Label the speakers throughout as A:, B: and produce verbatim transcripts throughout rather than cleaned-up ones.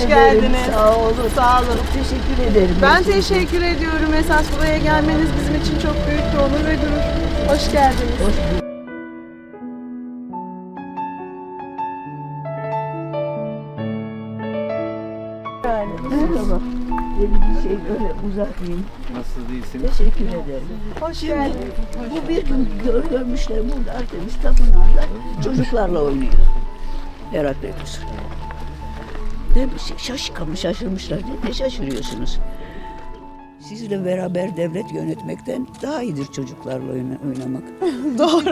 A: ederim.
B: geldiniz.
A: Sağ olun.
B: Sağ olun.
A: Çok teşekkür ederim.
B: Ben teşekkür ediyorum. Esas buraya gelmeniz bizim için çok büyük bir onur ve gurur. Hoş geldiniz.
A: Hoş bulduk.
B: Yani.
A: Merhaba. Bir şey böyle uzatmayayım.
C: Nasıl değilsiniz?
A: Teşekkür ederim.
B: Hoş geldiniz.
A: Bu bir gün gör, görmüşler burada Artemis Tapınağı'nda çocuklarla oynuyor. Herakleitos. Ne bir şey şaşkın şaşırmışlar. Ne, ne şaşırıyorsunuz? Sizle beraber devlet yönetmekten daha iyidir çocuklarla oyna, oynamak.
B: Doğru.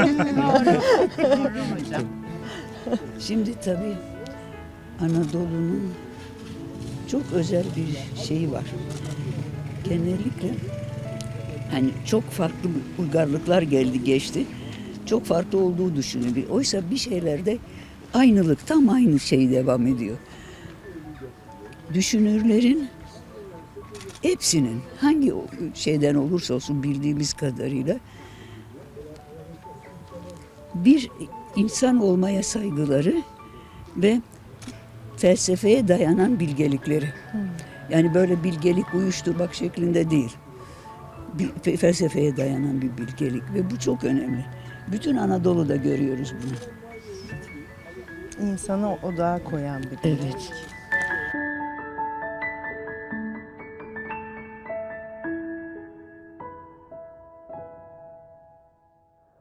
A: Şimdi tabii Anadolu'nun çok özel bir şeyi var. Genellikle hani çok farklı uygarlıklar geldi geçti. Çok farklı olduğu düşünülüyor. Oysa bir şeylerde aynılık, tam aynı şey devam ediyor. Düşünürlerin hepsinin hangi şeyden olursa olsun bildiğimiz kadarıyla bir insan olmaya saygıları ve felsefeye dayanan bilgelikleri. Yani böyle bilgelik uyuşturmak şeklinde değil. Bir felsefeye dayanan bir bilgelik ve bu çok önemli. Bütün Anadolu'da görüyoruz bunu.
B: İnsanı odağa koyan bir
A: Evet.